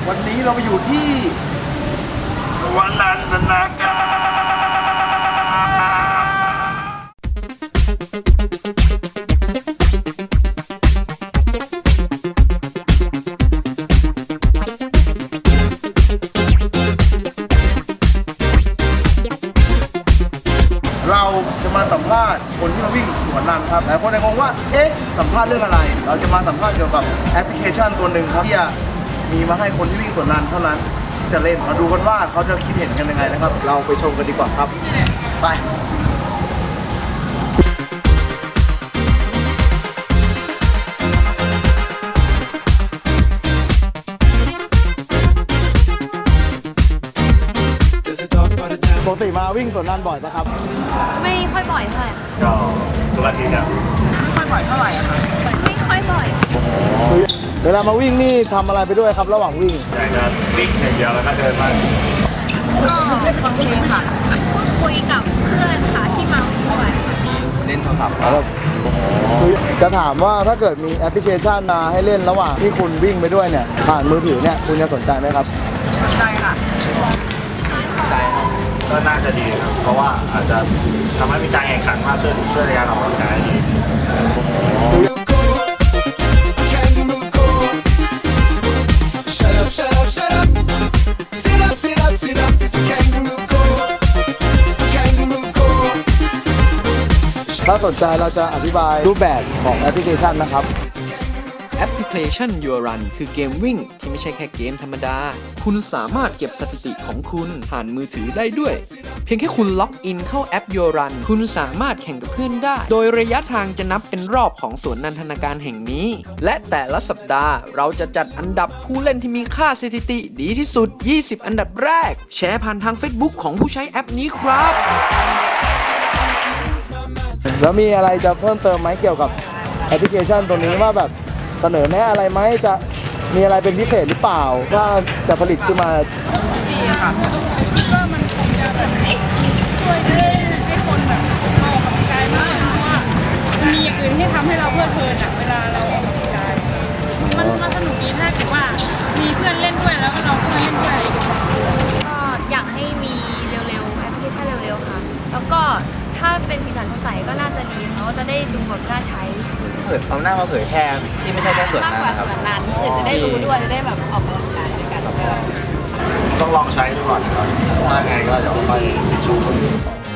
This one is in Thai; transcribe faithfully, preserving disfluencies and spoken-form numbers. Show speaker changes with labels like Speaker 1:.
Speaker 1: วันนี้เราไปอยู่ที่สวนนันทนาการเราจะมาสัมภาษณ์คนที่มาวิ่งสวนนันครับหลายคนจะงงว่าเอ๊ะสัมภาษณ์เรื่องอะไรเราจะมาสัมภาษณ์เกี่ยวกับแอปพลิเคชันตัวหนึ่งครับที่จะมีมาให้คนที่วิ่งสวนนันเท่านั้นที่จะเล่นมาดูกันว่าเขาจะคิดเห็นกันยังไงนะครับเราไปชมกันดีกว่าครับไปปกติมาวิ่งสวนนันบ่อยปะครับ
Speaker 2: ไม่ค่อยบ่อยเท่าไหร่
Speaker 1: ก็ทุกอาทิตย์ครับ
Speaker 2: ไม่ค่อยบ่อยเท่าไหร่ค่ะไม่ค่อยบ่อย
Speaker 1: เวลามาวิ่งนี่ทำอะไรไปด้วยครับระหว่างวิ่ง
Speaker 3: อยากจะวิ่งอย่างเดียวแล้วก็เดินมา
Speaker 2: ก็ฟังเพลงค่ะพูดคุยกับเพื่อนค่ะที่มาวิ่งด้วย
Speaker 3: เล่นโทรศัพท์
Speaker 1: ครับจะถามว่าถ้าเกิดมีแอปพลิเคชันมาให้เล่นระหว่างที่คุณวิ่งไปด้วยเนี่ยผ่านมือถือเนี่ยคุณจะสนใจไหมครับ
Speaker 2: สนใจค่ะ
Speaker 3: ใจก็น่าจะดีครับเพราะว่าอาจจะทำให้มีการแข่งขันมากขึ้นช่วยในการออกกำลังกายดี
Speaker 1: ถ้าสนใจเราจะอธิบายรูปแบบของแอปพลิเคชันนะครับ
Speaker 4: แอปพลิเคชัน Your Run คือเกมวิ่งที่ไม่ใช่แค่เกมธรรมดาคุณสามารถเก็บสถิติของคุณผ่านมือถือได้ด้วยเพียงแค่คุณล็อกอินเข้าแอป Your Run คุณสามารถแข่งกับเพื่อนได้โดยระยะทางจะนับเป็นรอบของสวนนันทนาการแห่งนี้และแต่ละสัปดาห์เราจะจัดอันดับผู้เล่นที่มีค่าสถิติดีที่สุดยี่สิบอันดับแรกแชร์ผ่านทาง Facebook ของผู้ใช้แอปนี้ครับ
Speaker 1: แล้วมีอะไรจะเพิ่มเติมไหมเกี่ยวกับแอปพลิเคชันตัวนี้ว่าแบบเสนอแนะอะไรไหมจะมีอะไรเป็นพิเศษหรือเปล่าถ้าจะผลิตขึ้นมา
Speaker 2: ดีค่ะก็มันคงจะแบบช่วยให้ให้คนแบบออกกำลังกายมากเพราะว่ามีอย่างอื่นที่ทำให้เราเพลิดเพลินอ่ะเวลาเราออกกำลังกายมันมันสนุกดีถ้าเกิดว่ามีเพื่อนเล่นด้วยแล้วก็เราก็มาเล่นด้วยก็อยากให้มีเร็วๆแอปพลิเคชันเร็วๆค่ะแล้วก็ถ้าเป็นสีสันสดใสก็น่าจะดีเขาจะได้ดูแบบน่าใช้
Speaker 3: เผยเอาหน้ามาเผยแพร่ที่ไม่ใช่แค่ส่วนนั้น
Speaker 2: นะครับมากกว่าส่วนนั้นอื่นจะได้รู้ด้วยจะได้แบบออกกำลังกายด้วยกัน
Speaker 3: ต้องลองใช้ดูก่อนนะครับถ้าไงก็เดี๋ยวค่อยไปชู